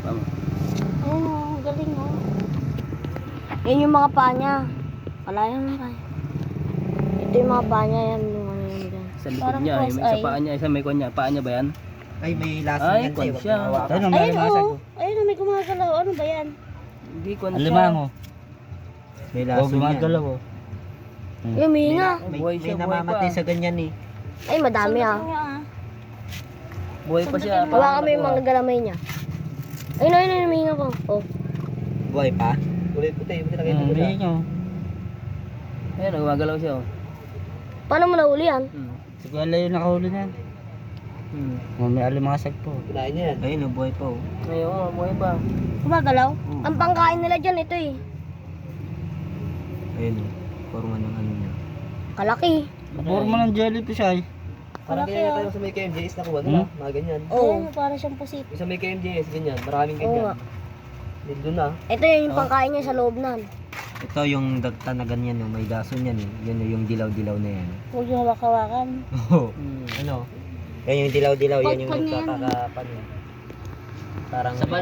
Tama. Ayun o, galing o. Yan yung mga paa niya. Wala yan pa. Ito yung mga paa niya, yan yung ano yun dyan. Sa likod Parang niya, cross may isa eye. paa niya, isa may kwan niya. Paa niya ba yan? Ay, may laso Ay, yan kwan sa'yo. siya. Ayun, Ayun o, ayun o, may gumagalaw. Ano ba yan? Hindi kwan siya. Alimango. May laso yan. Gumagalaw oh. Yung mihinga. May, Buhay may siya, buhay namamatay pa. sa ganyan eh. Ay, madami ah. Buhay pa siya. Hawa kami yung mga galamay niya. Ayun o, ayun o, yung mihinga ko. Oh. Buhay pa? Kulay puti, buti nakita ko na. Hindi nyo. Ayan, gumagalaw siya. Oh. Paano mo nahuli yan? Si Kuya Leo nakahuli na yan. May alimasag po. Kinain niya yan. Ayun, buhay pa oh. Ngayon, buhay pa. Gumagalaw? Ang pangkain nila dyan, ito eh. Ayun oh. Forma ng ano niya. Kalaki. Forma ng jellyfish ay. Parang Malaki, ganyan ah. tayo sa may KMJS nakuha nila. Mga ganyan. Oo. Parang siyang pusit. Yung sa may KMJS, ganyan. Maraming Oo nga. ganyan. Din doon ah. Ito yung pangkain niya sa loob nan. Ito yung dagta na ganyan, yung may daso niyan eh. Yun yung dilaw-dilaw na yan. Huwag yung hawak-hawakan. Oo. Ano? Yan yung dilaw-dilaw, yan yung Pagpan yan. nagkakakapan. Parang